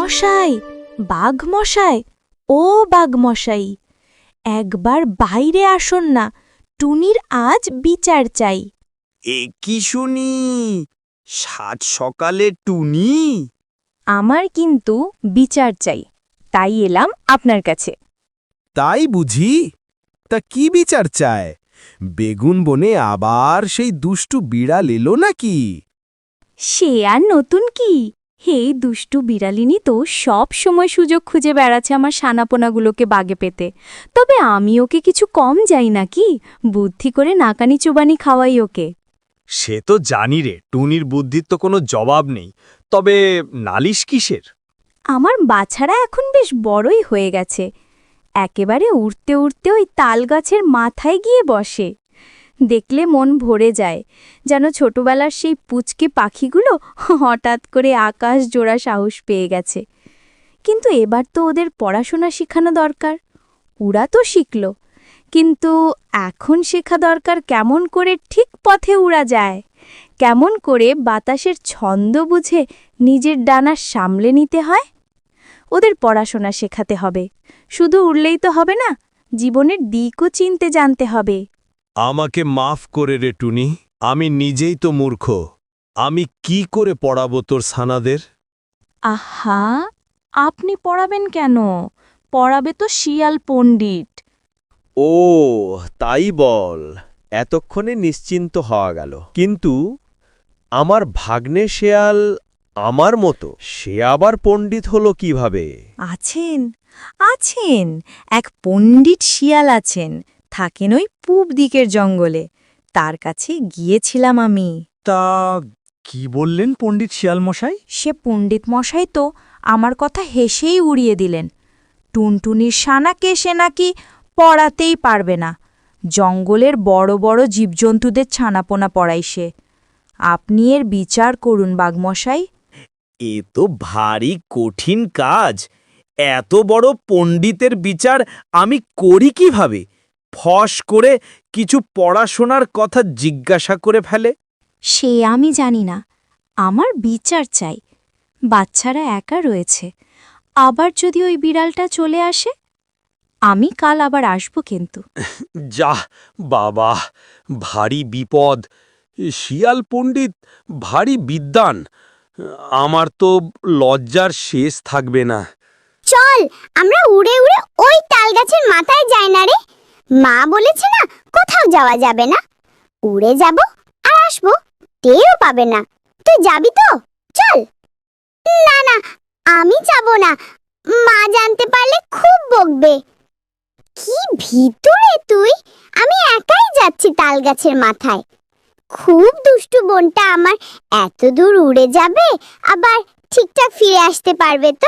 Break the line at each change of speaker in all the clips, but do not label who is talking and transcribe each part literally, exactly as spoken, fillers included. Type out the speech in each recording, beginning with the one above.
মশাই, বাঘ মশাই, ও বাঘ মশাই, একবার বাইরে আসুন না, টুনির আজ বিচার চাই।
এ কি শুনি, সাত সকালে টুনি?
আমার কিন্তু বিচার চাই, তাই এলাম আপনার কাছে।
তাই বুঝি? তা কি বিচার চায়? বেগুন বনে আবার সেই দুষ্টু বিড়াল এলো নাকি?
সে আর নতুন কি, হে দুষ্টু বিড়ালিনী তো সব সময় সুযোগ খুঁজে বেড়াচ্ছে আমার সানাপোনাগুলোকে বাগে পেতে। তবে আমি ওকে কিছু কম যাই নাকি, বুদ্ধি করে নাকানি চুবানি খাওয়াই ওকে।
সে তো জানি রে, টুনির বুদ্ধির তো কোনো জবাব নেই। তবে নালিশ কিসের?
আমার বাছারা এখন বেশ বড়ই হয়ে গেছে, একেবারে উড়তে উড়তে ওই তাল গাছের মাথায় গিয়ে বসে। দেখলে মন ভরে যায়, যেন ছোটবেলার সেই পুচকে পাখিগুলো হঠাৎ করে আকাশ জোড়া সাহস পেয়ে গেছে। কিন্তু এবার তো ওদের পড়াশোনা শেখানো দরকার। ওরা তো শিখল, কিন্তু এখন শেখা দরকার কেমন করে ঠিক পথে উড়া যায়, কেমন করে বাতাসের ছন্দ বুঝে নিজের ডানা সামলে নিতে হয়। ওদের পড়াশোনা শেখাতে হবে, শুধু উড়লেই তো হবে না, জীবনের দিকও চিনতে জানতে হবে।
আমাকে মাফ করে রে টুনি, আমি নিজেই তো মূর্খ। আমি কি করে পড়াবো তোর ছানাদের?
আহা, আপনি পড়াবেন কেন? পড়াবে তো শিয়াল পণ্ডিত।
ও তাই বল, এতক্ষণে নিশ্চিন্ত হওয়া গেল। কিন্তু আমার ভাগ্নে শেয়াল আমার মতো, সে আবার পণ্ডিত হলো কিভাবে?
আছেন, আছেন, এক পণ্ডিত শিয়াল আছেন, থাকেন ওই পূব দিকের জঙ্গলে। তার কাছে গিয়েছিলাম আমি।
তা কি বললেন পণ্ডিত শিয়াল মশাই?
সে পণ্ডিত মশাই তো আমার কথা হেসেই উড়িয়ে দিলেন। টুনটুনির সানাকে সে নাকি পড়াতেই পারবে না, জঙ্গলের বড় বড় জীবজন্তুদের ছানাপোনা পড়াই সে। আপনি এর বিচার করুন বাঘমশাই।
এ তো ভারী কঠিন কাজ। এত বড় পণ্ডিতের বিচার আমি করি কিভাবে? ফস করে কিছু পড়াশোনার কথা জিজ্ঞাসা করে ফেলে।
সে আমি জানি না, আমার বিচার চাই। বাচ্চারা একা রয়েছে, আবার যদি ওই বিড়ালটা চলে আসে, আমি কাল আবার আসব কিন্তু।
যা বাবা, ভারী বিপদ। শিয়াল পণ্ডিত ভারী বিদ্বান, আমার তো লজ্জার শেষ থাকবে না।
চল আমরা উড়ে উড়ে ওই তাল গাছের মাথায় যাই না রে। মা বলেছে না কোথাও যাওয়া যাবে না। উড়ে যাব আর আসবো, টেরও পাবে না। তুই যাবি তো? চল। না না, আমি যাব না, মা জানতে পারলে খুব বকবে। কি ভিতরে তুই, আমি একাই যাচ্ছি তাল গাছের মাথায়। খুব দুষ্টু বোনটা আমার, এত দূর উড়ে যাবে, আবার ঠিকঠাক ফিরে আসতে পারবে তো?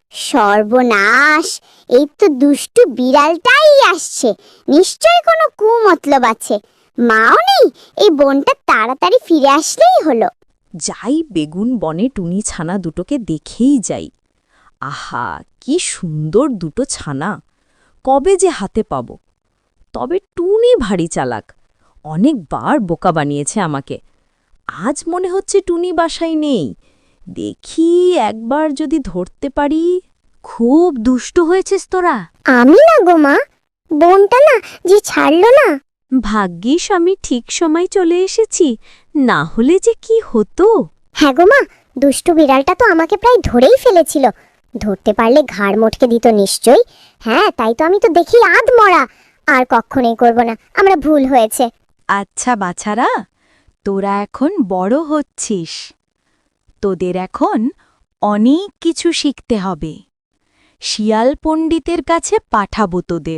সর্বনাশ, এই তো দুষ্টু বিড়ালটাই আসছে, নিশ্চয় কোনো কুমতলব আছে। মাও নেই, এই বোনটা তাড়াতাড়ি ফিরে আসলেই হলো।
যাই বেগুন বনে টুনি ছানা দুটোকে দেখেই যাই। আহা, কি সুন্দর দুটো ছানা, কবে যে হাতে পাব। তবে টুনি ভারী চালাক, অনেকবার বোকা বানিয়েছে আমাকে। আজ মনে হচ্ছে টুনি বাসায় নেই, দেখি একবার যদি ধরতে পারি। খুব দুষ্ট হয়েছিস তোরা।
আমি না গো মা, বোনটা না যে ছাড়লো না।
ভাগ্যিস আমি ঠিক সময় চলে এসেছি, না হলে যে কি হতো।
হ্যাঁ গো মা, দুষ্টু বিড়ালটা তো আমাকে প্রায় ধরেই ফেলেছিল। ধরতে পারলে ঘাড় মটকে দিত নিশ্চয়ই। হ্যাঁ, তাই তো আমি তো দেখি আধ মরা। আর কখনোই করব না, আমরা ভুল হয়েছে।
আচ্ছা বাছারা, তোরা এখন বড় হচ্ছিস, তোদের এখন অনেক কিছু শিখতে হবে। শিয়াল পণ্ডিতের কাছে পাঠাবো তোদের,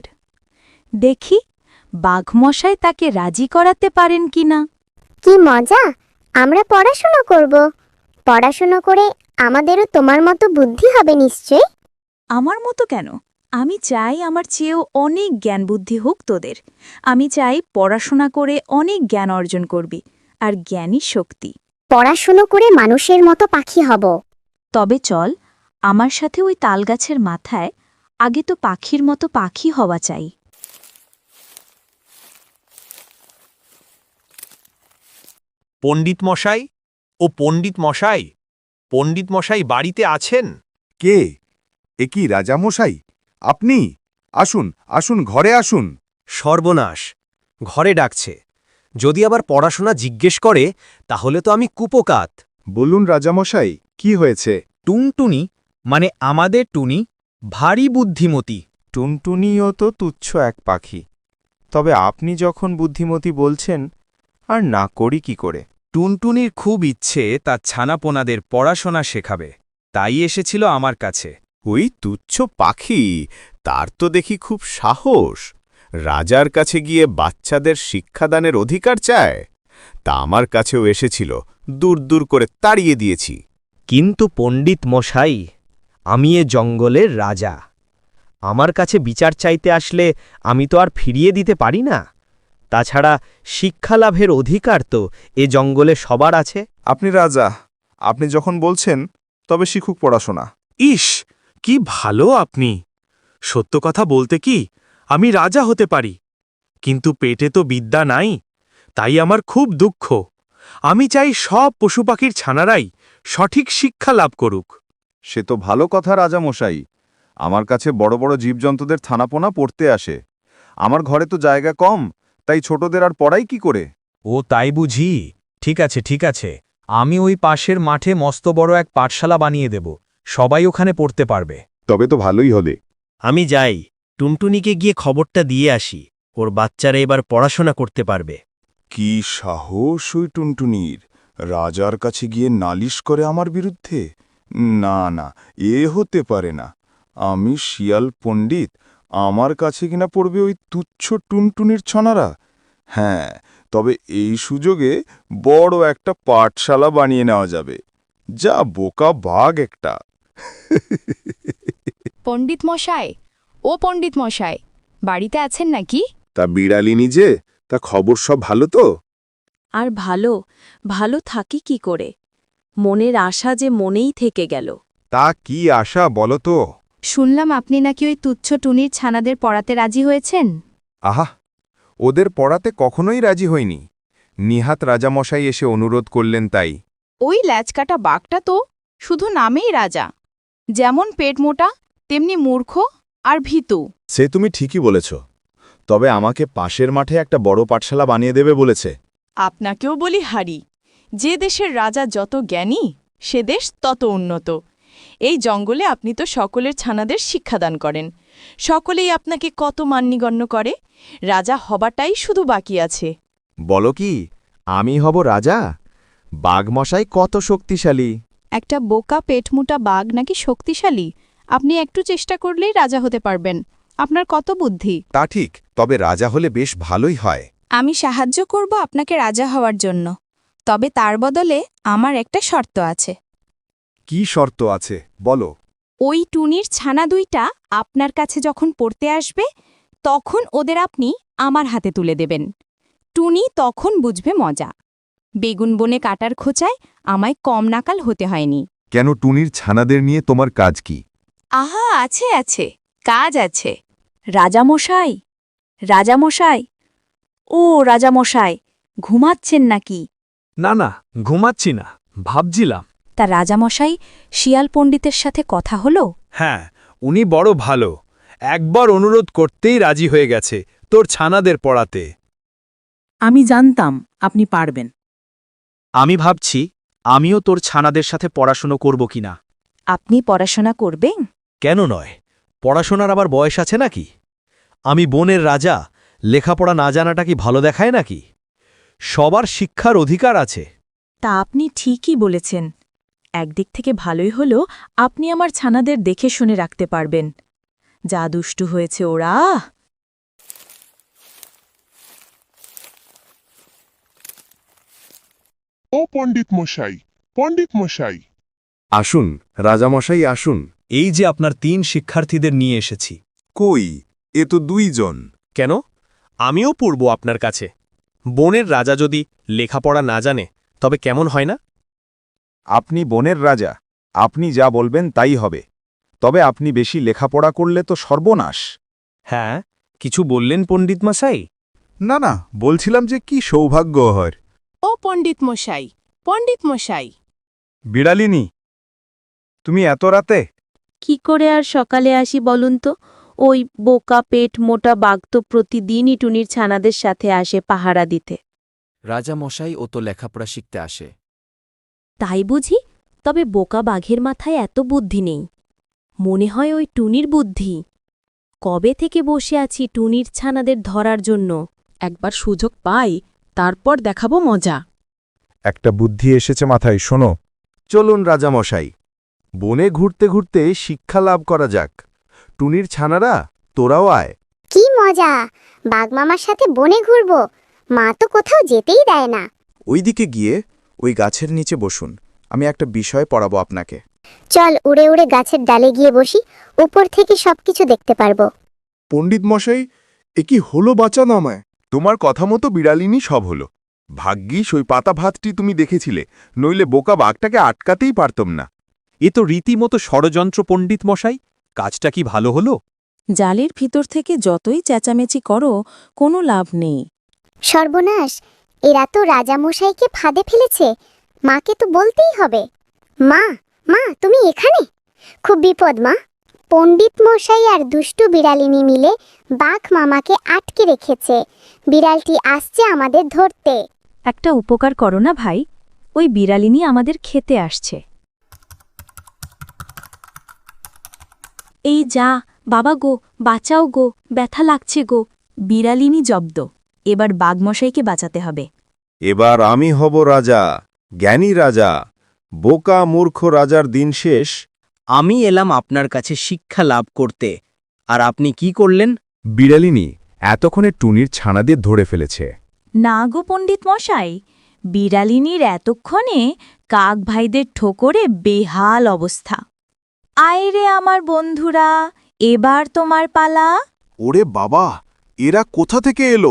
দেখি বাঘমশাই তাকে রাজি করাতে পারেন কিনা।
কি মজা, আমরা পড়াশোনা করব। পড়াশোনা করে আমাদেরও তোমার মতো বুদ্ধি হবে নিশ্চয়ই।
আমার মতো কেন? আমি চাই আমার চেয়েও অনেক জ্ঞান বুদ্ধি হোক তোদের। আমি চাই পড়াশোনা করে অনেক জ্ঞান অর্জন করবি, আর জ্ঞানই শক্তি।
পড়াশোনা করে মানুষের মতো পাখি হব।
তবে চল আমার সাথে ওই তালগাছের মাথায়, আগে তো পাখির মতো পাখি হওয়া চাই।
পণ্ডিত মশাই, ও পণ্ডিত মশাই, পণ্ডিত মশাই বাড়িতে আছেন?
কে? এ কি রাজামশাই? আপনি? আসুন, আসুন, ঘরে আসুন।
সর্বনাশ, ঘরে ডাকছে। যদি আবার পড়াশোনা জিজ্ঞেস করে তাহলে তো আমি কুপোকাত।
বলুন রাজামশাই, কি হয়েছে?
টুনটুনি মানে আমাদের টুনি ভারী বুদ্ধিমতী।
টুনটুনিও তো তুচ্ছ এক পাখি। তবে আপনি যখন বুদ্ধিমতী বলছেন, আর না করি কি করে?
টুনটুনির খুব ইচ্ছে তার ছানাপোনাদের পড়াশোনা শেখাবে, তাই এসেছিল আমার কাছে।
ওই তুচ্ছ পাখি, তার তো দেখি খুব সাহস। রাজার কাছে গিয়ে বাচ্চাদের শিক্ষাদানের অধিকার চায়। তা আমার কাছেও এসেছিল, দূর দূর করে তাড়িয়ে দিয়েছি।
কিন্তু পণ্ডিত মশাই, আমি এ জঙ্গলের রাজা। আমার কাছে বিচার চাইতে আসলে আমি তো আর ফিরিয়ে দিতে পারি না। তাছাড়া শিক্ষালাভের অধিকার তো এ জঙ্গলে সবার আছে।
আপনি রাজা, আপনি যখন বলছেন তবে শিখুক পড়াশোনা।
ইস, কি ভালো আপনি! সত্য কথা বলতে কি, আমি রাজা হতে পারি, কিন্তু পেটে তো বিদ্যা নাই। তাই আমার খুব দুঃখ। আমি চাই সব পশুপাখির ছানারাই সঠিক শিক্ষা লাভ করুক।
সে তো ভালো কথা রাজামশাই। আমার কাছে বড় বড় জীবজন্তুদের থানাপোনা পড়তে আসে। আমার ঘরে তো জায়গা কম, তাই ছোটদের আর পড়াই কি করে?
ও তাই বুঝি। ঠিক আছে ঠিক আছে, আমি ওই পাশের মাঠে মস্ত বড় এক পাঠশালা বানিয়ে দেব, সবাই ওখানে পড়তে পারবে।
তবে তো ভালোই হলে।
আমি যাই, টুনটুনিকে গিয়ে খবরটা দিয়ে আসি। ওর বাচ্চারা এবার পড়াশোনা করতে পারবে।
কি সাহস ওই টুনটুনির! রাজার কাছে গিয়ে নালিশ করে আমার বিরুদ্ধে? না না, এ হতে পারে না। আমি শিয়াল পণ্ডিত, আমার কাছে কিনা পড়বে ওই তুচ্ছ টুনটুনির ছনারা? হ্যাঁ, তবে এই সুযোগে বড় একটা পাঠশালা বানিয়ে নেওয়া যাবে। যা বোকা বাঘ একটা!
পণ্ডিত মশাই, ও পণ্ডিত মশাই, বাড়িতে আছেন নাকি?
তা বিড়ালিনী যে, তা খবর সব ভালো তো?
আর ভালো ভালো থাকি কি করে? মনের আশা যে মনেই থেকে গেল।
তা কি আশা বলো তো?
শুনলাম আপনি নাকি ওই তুচ্ছ টুনির ছানাদের পড়াতে রাজি হয়েছেন।
আহা, ওদের পড়াতে কখনোই রাজি হইনি। নিহাত রাজামশাই এসে অনুরোধ করলেন তাই।
ওই ল্যাচকাটা বাঘটা তো শুধু নামেই রাজা। যেমন পেট মোটা, তেমনি মূর্খ আর ভীতু।
সে তুমি ঠিকই বলেছ, তবে আমাকে পাশের মাঠে একটা বড় পাঠশালা বানিয়ে দেবে বলেছে।
আপনাকেও বলি হারি, যে দেশের রাজা যত জ্ঞানী, সে দেশ তত উন্নত। এই জঙ্গলে আপনি তো সকলের ছানাদের শিক্ষাদান করেন, সকলেই আপনাকে কত মান্যগণ্য করে। রাজা হবাটাই শুধু বাকি আছে।
বলো কি, আমি হব রাজা? বাঘমশাই কত শক্তিশালী!
একটা বোকা পেটমোটা বাঘ নাকি শক্তিশালী? আপনি একটু চেষ্টা করলেই রাজা হতে পারবেন। আপনার কত বুদ্ধি!
তা ঠিক, তবে রাজা হলে বেশ ভালোই হয়।
আমি সাহায্য করব আপনাকে রাজা হওয়ার জন্য, তবে তার বদলে আমার একটা শর্ত আছে।
কি শর্ত আছে বলো?
ওই টুনির ছানা দুইটা আপনার কাছে যখন পড়তে আসবে, তখন ওদের আপনি আমার হাতে তুলে দেবেন। টুনি তখন বুঝবে মজা। বেগুন বনে কাটার খোঁচায় আমায় কম নাকাল হতে হয়নি।
কেন, টুনির ছানাদের নিয়ে তোমার কাজ কি?
আহা, আছে আছে, কাজ আছে।
রাজামশাই, রাজামশাই, ও রাজামশাই, ঘুমাচ্ছেন নাকি?
না না, ঘুমাচ্ছি না, ভাবছিলাম।
তা রাজামশাই, শিয়াল পণ্ডিতের সাথে কথা হলো?
হ্যাঁ, উনি বড় ভালো। একবার অনুরোধ করতেই রাজি হয়ে গেছে তোর ছানাদের পড়াতে।
আমি জানতাম আপনি পারবেন।
আমি ভাবছি আমিও তোর ছানাদের সাথে পড়াশুনো করব কিনা।
আপনি পড়াশোনা করবেন?
কেন নয়, পড়াশোনার আবার বয়স আছে নাকি? আমি বনের রাজা, লেখাপড়া না জানাটা কি ভালো দেখায় নাকি? সবার শিক্ষার অধিকার আছে।
তা আপনি ঠিকই বলেছেন। একদিক থেকে ভালোই হলো আপনি আমার ছানাদের দেখে শুনে রাখতে পারবেন। যা দুষ্টু হয়েছে ওরা!
ও পণ্ডিত মশাই, পণ্ডিত মশাই!
আসুন রাজামশাই, আসুন।
এই যে আপনার তিন শিক্ষার্থীদের নিয়ে এসেছি।
কই, এ তো দুইজন।
কেন? আমিও পড়ব আপনার কাছে। বনের রাজা যদি লেখাপড়া না জানে তবে কেমন হয় না?
আপনি বনের রাজা, আপনি যা বলবেন তাই হবে। তবে আপনি বেশি লেখাপড়া করলে তো সর্বনাশ।
হ্যাঁ, কিছু বললেন পণ্ডিত মশাই?
না না, বলছিলাম যে কি সৌভাগ্য হয়।
ও পণ্ডিত মশাই, পণ্ডিত মশাই!
বিড়ালিনী, তুমি এত রাতে?
কি করে আর সকালে আসি বলুন তো? ওই বোকা পেট মোটা বাঘ তো প্রতিদিনই টুনির ছানাদের সাথে আসে পাহারা দিতে।
রাজা মশাই ও তো লেখাপড়া শিখতে আসে।
তাই বুঝি? তবে বোকা বাঘের মাথায় এত বুদ্ধি নেই। মনে হয় ওই টুনির বুদ্ধি। কবে থেকে বসে আছি টুনির ছানাদের ধরার জন্য।
একবার সুযোগ পাই, তারপর দেখাবো মজা।
একটা বুদ্ধি এসেছে মাথায়, শোনো। চলুন রাজামশাই, বনে ঘুরতে ঘুরতে শিক্ষা লাভ করা যাক। টুনির ছানারা, তোরাও আয়।
কি মজা, বাঘ মামার সাথে বনে ঘুরবো। মা তো কোথাও যেতেই দেয় না।
ওইদিকে গিয়ে ওই গাছের নিচে বসুন, আমি একটা বিষয় পড়াবো আপনাকে।
চল উড়ে উড়ে গাছের ডালে গিয়ে বসি, উপর থেকে সবকিছু দেখতে পারবো।
পণ্ডিত মশাই, এ কি হলো বাঁচান আমায়? তোমার কথা মতো বিড়ালিনী সব হলো। ভাগ্যিস ওই পাতা ভাতটি তুমি দেখেছিলে, নইলে বোকা বাঘটাকে আটকাতেই পারতাম না।
এ তো রীতিমতো ষড়যন্ত্র পণ্ডিত মশাই, কাজটা কি ভালো হলো?
জালের ভিতর থেকে যতই চেঁচামেচি করো, কোনো লাভ নেই।
সর্বনাশ, এরা তো রাজামশাইকে ফাঁদে ফেলেছে। মাকে তো বলতেই হবে। মা, মা তুমি এখানে? খুব বিপদ মা। পণ্ডিত মশাই আর দুষ্টু বিড়ালিনী মিলে বাঘ মামাকে আটকে রেখেছে। বিড়ালটি আসছে আমাদের ধরতে।
একটা উপকার করো না ভাই, ওই বিড়ালিনী আমাদের খেতে আসছে। এই যা বাবা গো, বাঁচাও গো, ব্যথা লাগছে গো। বিড়ালিনী জব্দ, এবার বাঘমশাইকে বাঁচাতে হবে।
এবার আমি হব রাজা, জ্ঞানী রাজা। বোকা মূর্খ রাজার দিন শেষ।
আমি এলাম আপনার কাছে শিক্ষা লাভ করতে, আর আপনি কি করলেন?
বিড়ালিনী এতক্ষণে টুনির ছানাদের ধরে ফেলেছে।
না গো পণ্ডিত মশাই, বিড়ালিনীর এতক্ষণে কাক ভাইদের ঠোকরে বেহাল অবস্থা। আয় রে আমার বন্ধুরা, এবার তোমার পালা।
ওরে বাবা, এরা কোথা থেকে এলো?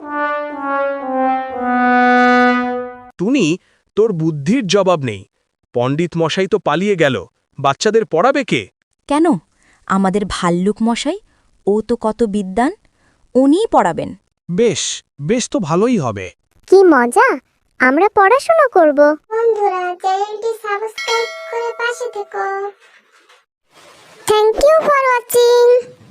টুনি, তোর বুদ্ধির জবাব নেই। পণ্ডিত মশাই তো পালিয়ে গেল, বাচ্চাদের পড়াবে কে?
কেন, আমাদের ভাল্লুক মশাই, ও তো কত বিদ্বান, উনিই পড়াবেন।
বেশ, বেশ তো ভালোই হবে।
কি মজা, আমরা পড়াশোনা করব। বন্ধুরা, চ্যানেলটি সাবস্ক্রাইব করে পাশে থেকো। Thank you for watching.